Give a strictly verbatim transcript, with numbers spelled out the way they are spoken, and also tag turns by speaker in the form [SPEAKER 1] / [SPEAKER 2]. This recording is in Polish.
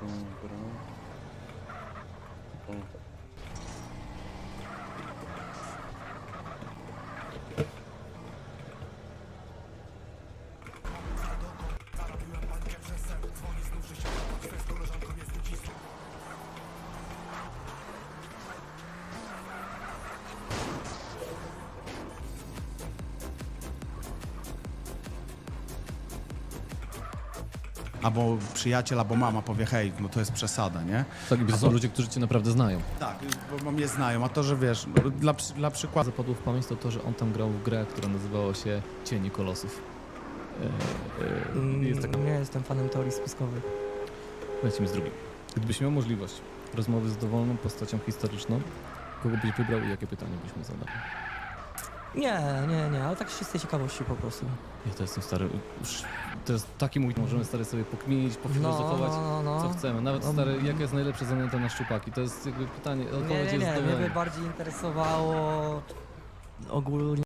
[SPEAKER 1] Dobra. O.
[SPEAKER 2] Albo przyjaciel, albo mama powie, hej, no to jest przesada, nie?
[SPEAKER 3] Tak, i to są ludzie, którzy cię naprawdę znają.
[SPEAKER 2] Tak, bo mnie znają, a to, że wiesz, no, dla, przy- dla przykładu...
[SPEAKER 3] Zapadło w pamięć to to, że on tam grał w grę, która nazywała się Cienie Kolosów. E, e, jest taka...
[SPEAKER 4] Nie jestem fanem teorii spiskowych.
[SPEAKER 3] Lecimy z drugim. Gdybyś miał możliwość rozmowy z dowolną postacią historyczną, kogo byś wybrał i jakie pytanie byś mu zadał?
[SPEAKER 4] Nie, nie, nie, ale tak z czystej ciekawości po prostu.
[SPEAKER 3] Ja to jestem stary, już, to jest taki mój, możemy stary sobie pokminić,
[SPEAKER 4] No,
[SPEAKER 3] pofilozofować,
[SPEAKER 4] no, no.
[SPEAKER 3] co chcemy. Nawet
[SPEAKER 4] No,
[SPEAKER 3] stary, jaka jest najlepsza zanęta na szczupaki? To jest jakby pytanie,
[SPEAKER 4] Nie,
[SPEAKER 3] odpowiedź
[SPEAKER 4] nie,
[SPEAKER 3] jest
[SPEAKER 4] nie, mnie
[SPEAKER 3] dowolna.
[SPEAKER 4] by bardziej interesowało ogólnie